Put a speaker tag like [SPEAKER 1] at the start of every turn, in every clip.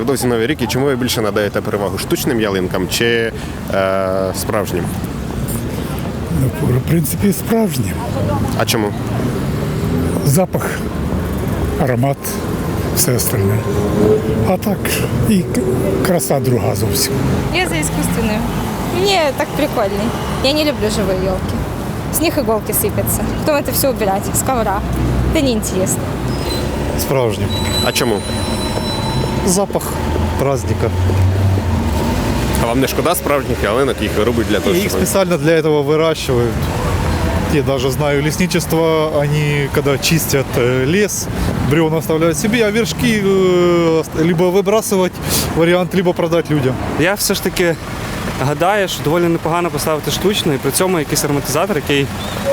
[SPEAKER 1] невдовзі Новий рік, і чому ви більше надаєте перевагу штучним ялинкам чи справжнім?
[SPEAKER 2] В принципі, справжнє.
[SPEAKER 1] А чому?
[SPEAKER 2] Запах, аромат, все остальне. А так, і краса друга зовсім.
[SPEAKER 3] Я за искусственную. Мне так прикольней. Я не люблю живые елки. С них иголки сыпятся. Потом это все убирать с ковра. Это неинтересно.
[SPEAKER 4] Справжнім.
[SPEAKER 1] А чому?
[SPEAKER 4] Запах праздника.
[SPEAKER 1] А вам не шкода справжніх ялинок, їх вирубують для того,
[SPEAKER 4] И их
[SPEAKER 1] щоб...
[SPEAKER 4] специально для этого выращивают. Я даже знаю лесничество, они когда чистят лес, бревна оставляют себе, а вершки либо выбрасывать вариант, либо продать людям.
[SPEAKER 5] Я все ж таки гадаю, що доволі непогано поставити штучно, і при цьому якийсь ароматизатор, який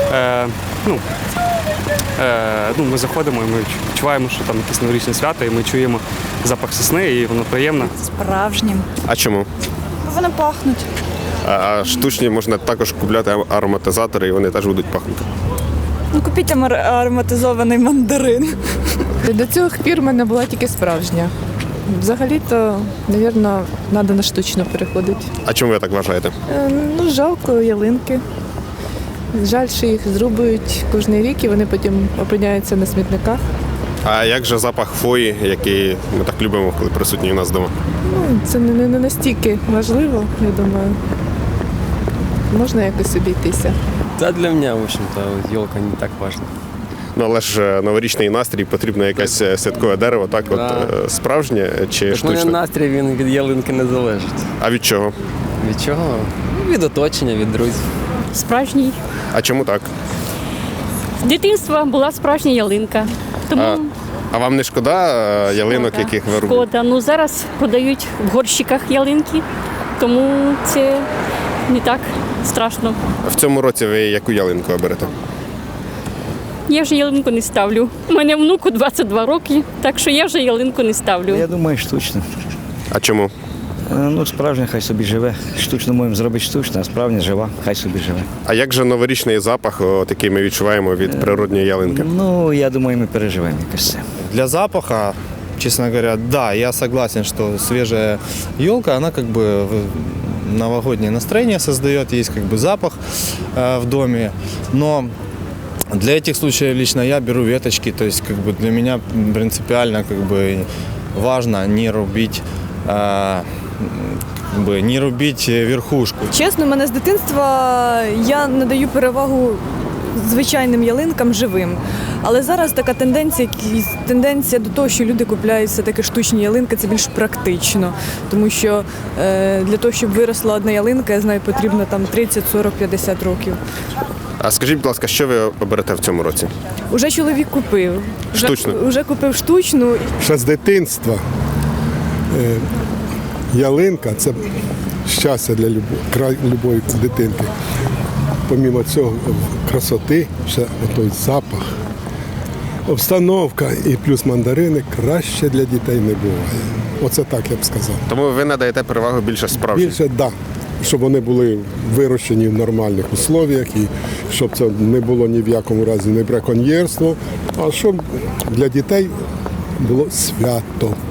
[SPEAKER 5] ми заходимо і ми відчуваємо, що там якесь новорічне свято, і ми чуємо запах сосни, і воно приємно.
[SPEAKER 6] Справжнім.
[SPEAKER 1] А чому?
[SPEAKER 6] Вони пахнуть.
[SPEAKER 1] А штучні можна також купляти ароматизатори, і вони теж будуть пахнути.
[SPEAKER 6] Ну, купіть ароматизований мандарин.
[SPEAKER 7] До цих пір в мене була тільки справжня. Взагалі-то, мабуть, треба на штучно переходити.
[SPEAKER 1] А чому ви так вважаєте?
[SPEAKER 7] Ну, жалко ялинки. Жаль, що їх зрубують кожен рік і вони потім опиняються на смітниках.
[SPEAKER 1] А як же запах хвої, який ми так любимо, коли присутній у нас вдома?
[SPEAKER 7] Ну, це не настільки важливо, я думаю. Можна якось обійтися.
[SPEAKER 8] Да, для меня, в общем-то, елка не так важна.
[SPEAKER 1] Ну, але ж новорічний настрій, потрібно якесь святкове дерево, так?
[SPEAKER 8] Да.
[SPEAKER 1] От справжнє чи
[SPEAKER 8] Так мене
[SPEAKER 1] штучне?
[SPEAKER 8] настрій він від ялинки не залежить.
[SPEAKER 1] А від чого?
[SPEAKER 8] Від чого? Ну, від оточення, від друзів.
[SPEAKER 9] Справжній.
[SPEAKER 1] А чому так?
[SPEAKER 9] З дитинства була справжня ялинка. Тому
[SPEAKER 1] А вам не шкода ялинок, яких ви робите?
[SPEAKER 9] шкода. Ну зараз продають в горщиках ялинки, тому це не так страшно.
[SPEAKER 1] В цьому році ви яку ялинку оберете?
[SPEAKER 9] Я вже ялинку не ставлю. У мене внуку 22 роки, так що я вже ялинку не ставлю.
[SPEAKER 10] Я думаю, штучно.
[SPEAKER 1] А чому?
[SPEAKER 10] Ну, справжня хай собі живе. Штучно можемо зробити штучно, а справжня жива, хай собі живе.
[SPEAKER 1] А як же новорічний запах, от, який ми відчуваємо від природньої ялинки?
[SPEAKER 10] Ну, я думаю, ми переживемо якось це.
[SPEAKER 4] Для запаха, честно говоря, да, я согласен, что свежая елка, она как бы новогоднее настроение создает, есть как бы запах в доме, но для этих случаев лично я беру веточки, то есть как бы для меня принципиально как бы важно не рубить не робіть верхушку.
[SPEAKER 6] Чесно, мене з дитинства я надаю перевагу звичайним ялинкам живим. Але зараз така тенденція до того, що люди купляють все-таки штучні ялинки, це більш практично. Тому що для того, щоб виросла одна ялинка, я знаю, потрібно там 30, 40, 50 років.
[SPEAKER 1] А скажіть, будь ласка, що ви оберете в цьому році?
[SPEAKER 6] Уже чоловік купив.
[SPEAKER 1] Штучну?
[SPEAKER 6] Уже купив штучну.
[SPEAKER 2] Ще з дитинства ялинка – це щастя для любої дитинки. Помімо цього красоти, ще той запах, обстановка і плюс мандарини краще для дітей не буває. Оце так я б сказав.
[SPEAKER 1] Тому ви надаєте перевагу більше справжнім?
[SPEAKER 2] Більше, так. Да, щоб вони були вирощені в нормальних условіях і щоб це не було ні в якому разі не браконьєрство, а щоб для дітей було свято.